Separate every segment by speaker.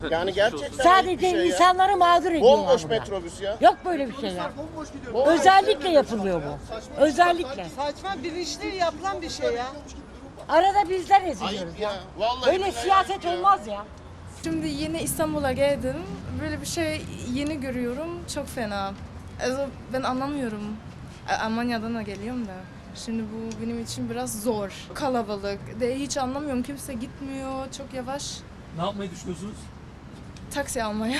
Speaker 1: Yani gerçekten
Speaker 2: Sadece
Speaker 1: ayıp bir şey ya.
Speaker 2: insanları mağdur ediyorlar.
Speaker 1: Bomboş
Speaker 2: burada.
Speaker 1: metrobüs ya.
Speaker 2: Yok böyle bir şey ya. Özellikle yapılıyor bu. Özellikle.
Speaker 3: Saçma bilinçli yapılan bir şey ya.
Speaker 2: Arada bizler eziliyoruz
Speaker 1: Ayıp
Speaker 2: ya.
Speaker 1: ya. Vallahi
Speaker 2: Böyle
Speaker 1: billahi
Speaker 2: siyaset
Speaker 1: ayıp ya.
Speaker 2: olmaz ya.
Speaker 4: Şimdi yeni İstanbul'a geldim. Böyle bir şey yeni görüyorum. Çok fena. Also, ben anlamıyorum. Almanya'dan da geliyorum da. Şimdi bu benim için biraz zor. Kalabalık. De hiç anlamıyorum. Kimse gitmiyor. Çok yavaş.
Speaker 5: Ne yapmayı düşünüyorsunuz?
Speaker 4: Taksi almaya.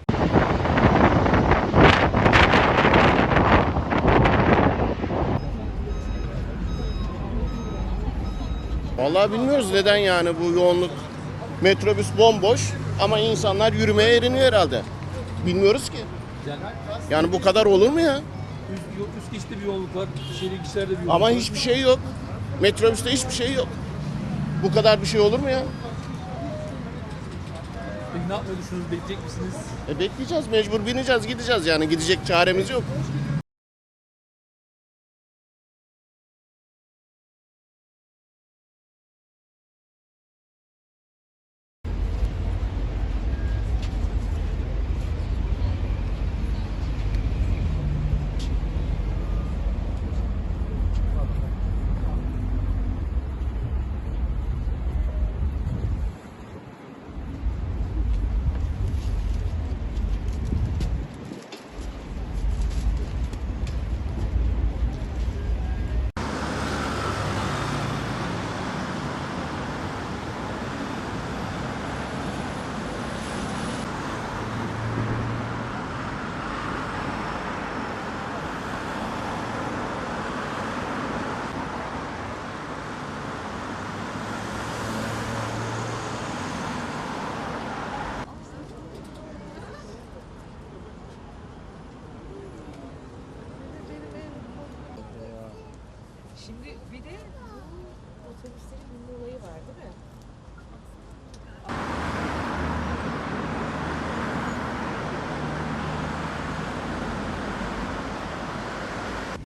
Speaker 1: Vallahi bilmiyoruz neden yani bu yoğunluk. Metrobüs bomboş ama insanlar yürümeye eriniyor herhalde. Bilmiyoruz ki.
Speaker 5: Yani
Speaker 1: Yani bu kadar olur mu ya?
Speaker 5: üst geçte bir yolluk var, şehir geçişlerde bir yolluk
Speaker 1: Ama
Speaker 5: var.
Speaker 1: hiçbir şey yok. Metrobüste hiçbir şey yok. Bu kadar bir şey olur mu ya?
Speaker 5: Peki ne yapmayı düşünüyorsunuz? Bekleyecek misiniz?
Speaker 1: Bekleyeceğiz, mecbur bineceğiz, gideceğiz yani. Gidecek çaremiz yok.
Speaker 3: Şimdi